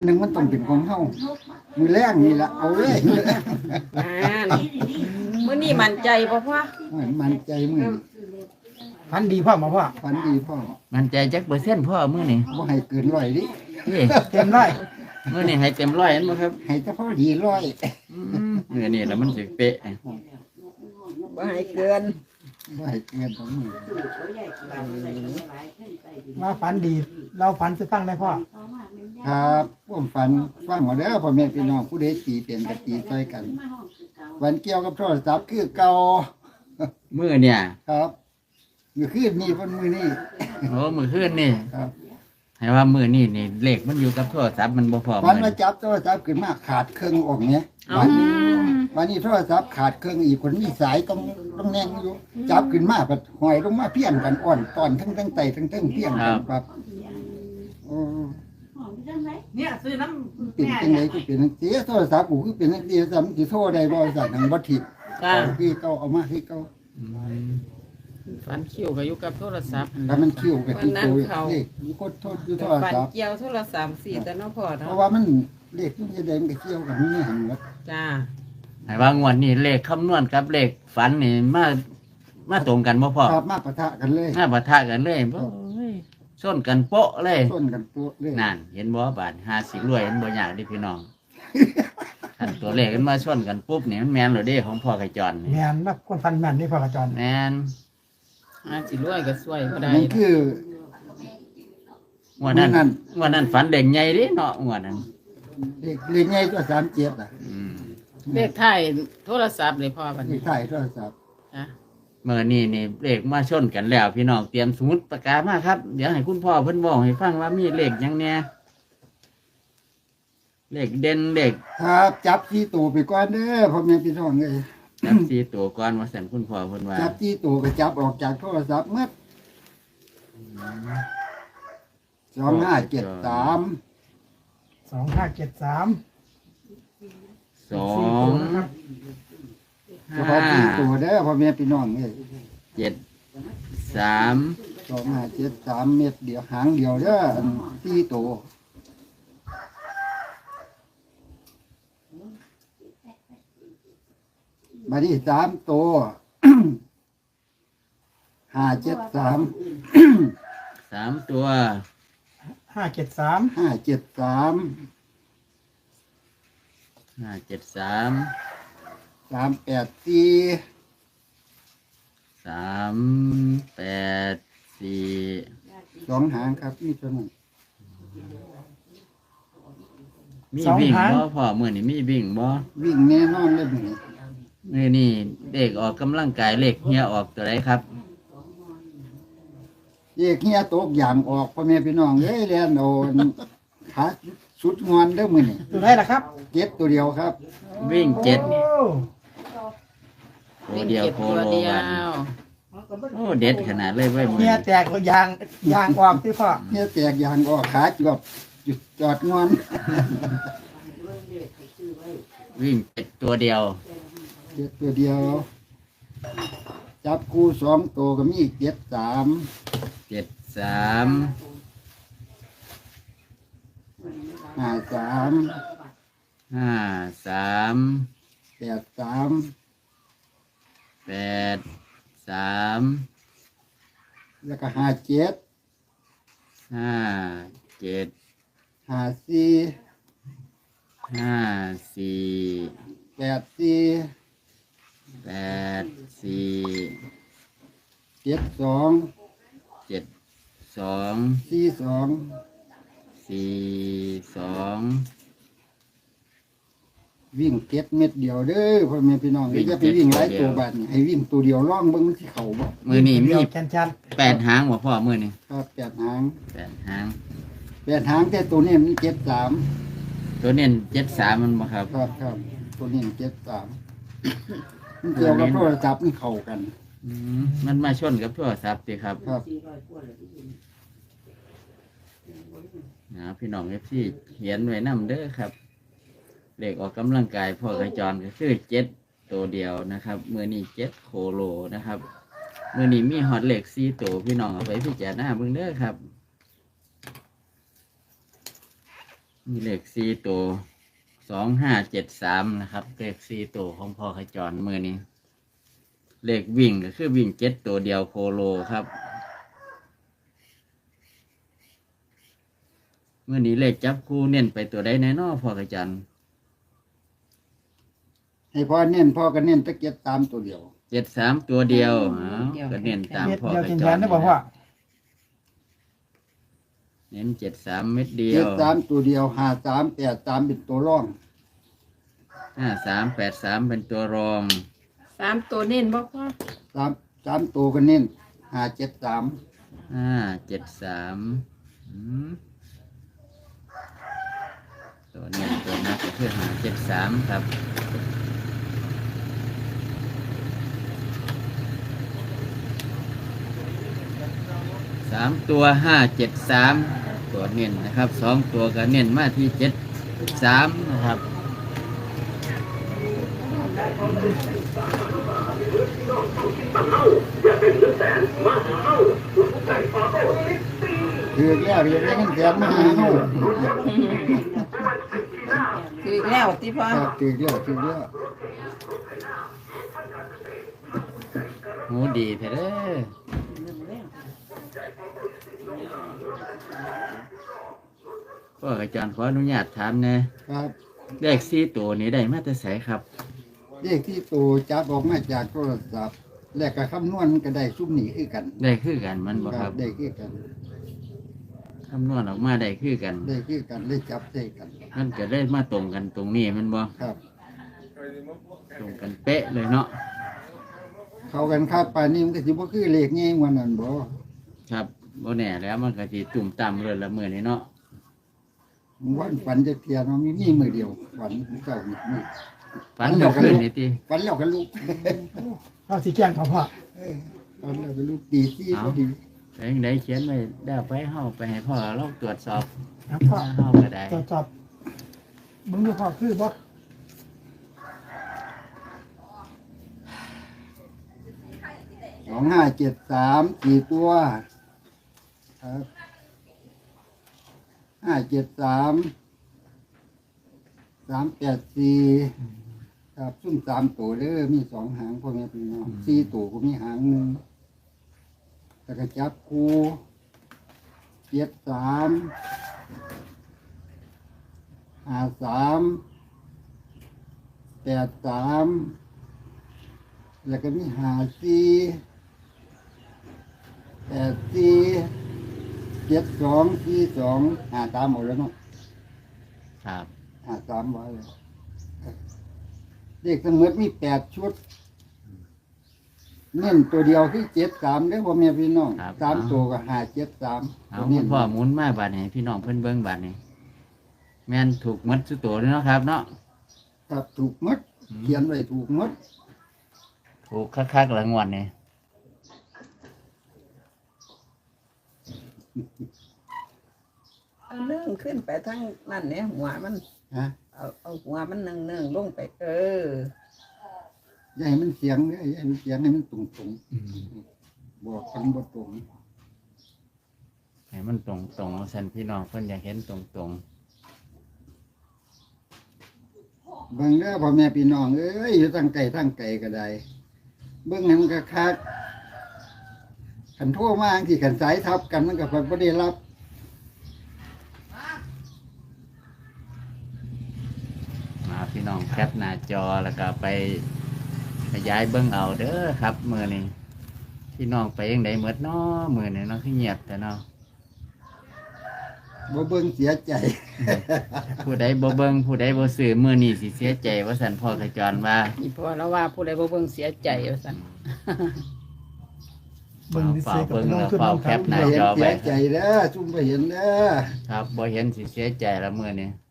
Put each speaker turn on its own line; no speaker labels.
หนึ่งมันต้องเป็นของเฮามือแรงนี่ละเอาเลย
มื้อนี้มั่นใจบ่พ่อ
มันใจมือ
พันดีพ่อมาพ่อ
ฝันดีพ่อ
มันใจจักเปอร์เซ็นต์พ่อมื้อนี้
บ่ให้เกินร้อยดิ
นี่
เต็มร้อย
มื้อนี้ให้เต็มร้อยอันบ่ครับ
ให้แต่พอดีร้อย
มื้อนี้แล้วมันสิเป๊ะ
บ่ให้เกิน
บ่ให้เกินของมือ
มาฝันดีเราฝันจะตั้งได้พ่อ
ครับผมฝันฟังเอาเด้อพ่อแม่พี่น้องผู้ใดตีเป็นก็ตีใส่กันวันเกี่ยวกับโทรศัพท์คือเก่า
มื้อเนี่ย
ครับมื้อคืนนี้เพิ่นมื้อนี้
โอ้มื้อคืนนี่
ครับ
ให้ว่ามื้อนี้นี่เลขมันอยู่กับโทรศัพท์มันบ่พอ
วัน
มื้อ
มา
นี้
จับโทรศัพท์ขึ้นมาขาดเครื่องออกเนี่ย
เอ้า
วันนี้โทรศัพท์ขาดเครื่องอีกคนมีสายต้องแน่งอยู่จับขึ้นมาก็หอยลงมาเพี้ยนกันอ่อนตอนทั้งไตทั้งเพี้ยนกันครับโอ้
เนี่ยซื้อน้
เป็นจังไดก็เป็นจังซี่โทรศัพท์กูคือเป็นจังซี่ซ้ำสิโทรได้บ่สั่นทางบ่ทิศ
จ้า
คือเก่าเอามาคือเก่า
ฝันคิวก็อยู่กับโทรศัพท์
ถ้ามันคิวก็ที่โต
วันนั้นเขา
เลขกดโทษอยู่โทร
ฝัน
ศัพท์
เกี่ยวโทรศัพท์4แต่เนาะพ่อ
เพ
เนาะ
ราะว่ามันเลขมันจะได้มันก็เกี่ยวกันนี่หั่นว่า
จ้า
ให้ว่างวดนี้เลขคำนวณกับเลขฝันนี่มาตรงกันบ่พ่อ
ครับมาปะทะกันเลย
มาปะทะกันเลยบ่เฮ้ยชนกันโป๊ะเลย
ส้นกันตัวเลย
นั่นเห็นบ่บาด50รวยมันบ่ยากเดิพี่น้อง คันตัวเลขมันมาชนกันปุ๊บนี่มันแม่นแล้วเด้ของพ่อกระจรนี่
แมนนักคนฟันแมนนี่พ่อกระจร
แม่น
สิรวยก็ช่วยบ่ได้
มันคือ
งวดนั้น
มื้อนั้น
งวดนั้นฝันเด็กใหญ่เดิเนาะงวดนั้น
เลขใหญ่ตัว37อ่ะ
อืม
เลขท้ายโทรศัพท์เลยพ่อบัด
เล
นี้
ขท้ายโทรศัพท์
จ้ะ
เมื่อนี้นี่เลขมาชนกันแล้ว พี่น้องเตรียมสมุดปากกามาครับ เดี๋ยวให้คุณพ่อเพิ่นบอกให้ฟังว่ามีเลขหยังแหน่เลขเด่นเลข
ครับจับที่ตัวไปก่อนเด้อพ่อแม่พี่น้องเอ้ย
จับสี่ตัวก่อนว่าสั่นคุณพ่อเพิ่นว่า
จับที่ตัวก็จับออกจากโทรศัพท์หมด2573
2573
สอง
นะครับ
เฉพาะที่ตัวเด้อพ่อแม่พี่น้องเอ้ย
เจ็ดสาม
2573เม็ดเดียวหางเดียวเด้ออันที่ตัวมาที่3ตัว 573
สามตัว
573
573
573
384
384
2หางครับนี่เท่านั้น
มีวิ่งบ่พ่อมื้อนี้มีวิ่งบ่
วิ่งแน่นอนเลยมื้อนี้
มื้อนี้เลขออกกำลังกายเลขเฮียออกตัวใดครับ
เอกเฮียตกอย่างออกพ่อแม่พี่น้องเอ้ยแล่นโอนขาสุดงอนเด้อมื้อนี้
ตัวไหนล่ะครับ
เก็บตัวเดียวครับ
วิ่งเจ็ด
โอ้
ตัวเดียวโค
ตัว
โล
เดีย
วัน
ว
โอ้เด็ดขนาดเลยเว้ยมื้อ
เมีย
นี้
แตกตัวยางออกที่พ่อ
เฮียแตกอย่างออกขาจวบจุดจอดงอน
วิ่งเจ็ดตัวเดียว
เก็บตัวเดียว จับคู่2ตัวก็มี73
73
53
53
83
83
แล้วก็57
57
54
54
84
84
72
72
42
42
วิ่งเก็บเม็ดเดียวเด้อพ่อแม่พี่น้อง
วิ่ง
อย่าไปวิ่งหลาย
เจ็ดตัวเดียว
ตัวบัดนี้ให้วิ่งตัวเดียวล่องเบิ่งมันสิเข้าบ่
มื้อนี้มี
เดียวแชัน
8หางบ่พ่อมื้อนี้
ครับ8หาง
8หาง
8หางแต่ตัวนี้มัน73
ตัวเน้น73มันบ่ครับ
ครับตัวนี้มัน73มันเกี่ยวกับโทรศัพท์มันเข้ากัน
มันมาชนกับโทรศัพท์ติครับ
ครับ
นะพี่น้องเอฟซีเขียนไว้นำเด้อครับเลขออกกำลังกายพ่อกระจรก็คือ7ตัวเดียวนะครับมื้อนี้7โคโลนะครับมื้อนี้มีฮอตเลข4ตัวพี่น้องเอาไปพิจารณาเบิ่งเด้อครับมีเลข4ตัว2573นะครับเลข4ตัวของพ่อขจรมื้อนี้เลขวิ่งก็คือวิ่ง7ตัวเดียวโคโลครับมื้อนี้เลขจับคู่เน้นไปตัวใดแน่นอนพ่อขจร
ให้พ่อเน้นพ่อก็เน้นตะเกียบตามตัวเดียว
73ตัวเดียวก็เน้นตาม
เม็ด
พ่อ
เดียว
ข
กิน
จ
แท
ร
นได้บอกว่า
เน้น73เม็ดเดีย
เจ็ด
ว
สามตัวเดียว53 83เป็นตัวร่อง
5383เป็นตัวรอง
3ตัวเน้นบ่พ่อ
3ตัวก็เน้น573
573ตัวเน้นตัวนักก็คือ573ครับ3ตัว573ตัวเน้นนะครับ2ตัวก็เน้นมาที่73นะครับ
คือแล้วเรียกได้เงินแสนมาหาเฮา
คือแล้วที่พ่อ
ครับคือแล้ว
หูดีแท้เด้อพ่ออาจารย์ขออนุญาตถามแหน่
ครับ
เลข4ตัวนี้ได้มาแต่ไสครับ
เลขที่ตัวจับออกมาจากโทรศัพท์แล้วก็คำนวณก็ได้ซุ่มนี้คือกัน
ได้คือกันมันบ่ครับ
ได้คือกัน
คำนวณออกมาได้คือกัน
ได้คือกันได้จับได้กัน
มันก็ได้มาตรงกันตรงนี้แมันบ่
ครับ
ตรงกันเป๊ะเลยเนาะ
เข้ากันครับป่านนี้มันก็สิบ่คือเลขง่ายกว่านั้นบ่
ครับบ่แน่แล้วมันก็สิตุ่มต่ำเลยละมื้อนี้เนาะ
วันฝันจะเทียนมันมีมือเดียวฝันเจ้านี่มือ
ฝันเมื่อคืนนี่ติ
ฝันแล้วก็ลุก
เราสีแกล้งเขาพ่อ
ฝันแล้วก็ลุกตีซี่พอดี
แล้วจังไดเขียนไว้แล้วไปเฮาไปให้พ่อลองตรวจสอบ
นะพ่อ
เฮาก็ได้
ตรวจสอบมึงดูพ่อคือบ่
2573กี่ตัวครับ573 384ครับซุ่ม3ตัวเด้อมี2หางพ่อแม่พี่น้อง4ตัวก็มีหางหนึงแล้วก็จับคู่73 53 83แล้วก็มี54 84 72 42 53หมดแล้วเนาะ
ครับ
53ไว้เลยเด็กทั้งหมดมี8ชุดเน้นตัวเดียวคือ73เด้อพ่อแม่พี่น้อง3ตัวก็573
เอา
เน้น
พ่อหมุนมาบัดนี้พี่น้องเพิ่นเบิ่งบัดนี้แม่นถูกหมดสุดตัวเลยเนาะครับเนาะ
ครับถูกหมดเขียนไว้ถูกหมด
ถูกคักๆละงวดนี่
เอาเนื่องขึ้นไปทั้งนั่นเนี่ยหัวมัน
ฮะ
เอาหัวมันเนื่องลงไป
อย่าให้มันเสียงเด้ออย่าให้มันเสียงให้มันตรงๆบอกกันบ่ตรง
ให้มันตรงๆซั่นพี่น้องเพิ่นอยากเห็นตรง
เบิ่งเด้อพ่อแม่พี่น้องเอ้ยอยู่ทางไกลก็ได้เบิ่งให้มันคักๆคันโทรมาจังซี่คันสายทับกันมันก็บ่ได้รับ
ๆมาพี่น้องแคปหน้าจอแล้วก็ไปขยายเบิ่งเอาเด้อครับมื้อนี้พี่น้องไปจังไดหมดเนาะมื้อนี้เนาะคือเงียบแต่เนาะ
บ่เบิ่งเสียใจ
ผู้ใดบ่เบิ่งผู้ใดบ่ซื้อมื้อนี้สิเสียใจว่าซั่นพ่อขจรว่า
อีพ่อแล้วว่าผู้ใดบ่เบิ่งเสียใจว่าซั่น
เบิ่งดิ
เฝ้า
เสียกับ
เบิ่ง
น้อง
แล้ว
ขึ้น
เฝ้า
น้อง
แค
ครั
ป
บ
หน้า
เห็น
จอ
เสี
ไว้
ยใจเด้อจุ่มไปเห็นเด้อ
ครับบ่เห็นสิเสียใจละมื้อนี้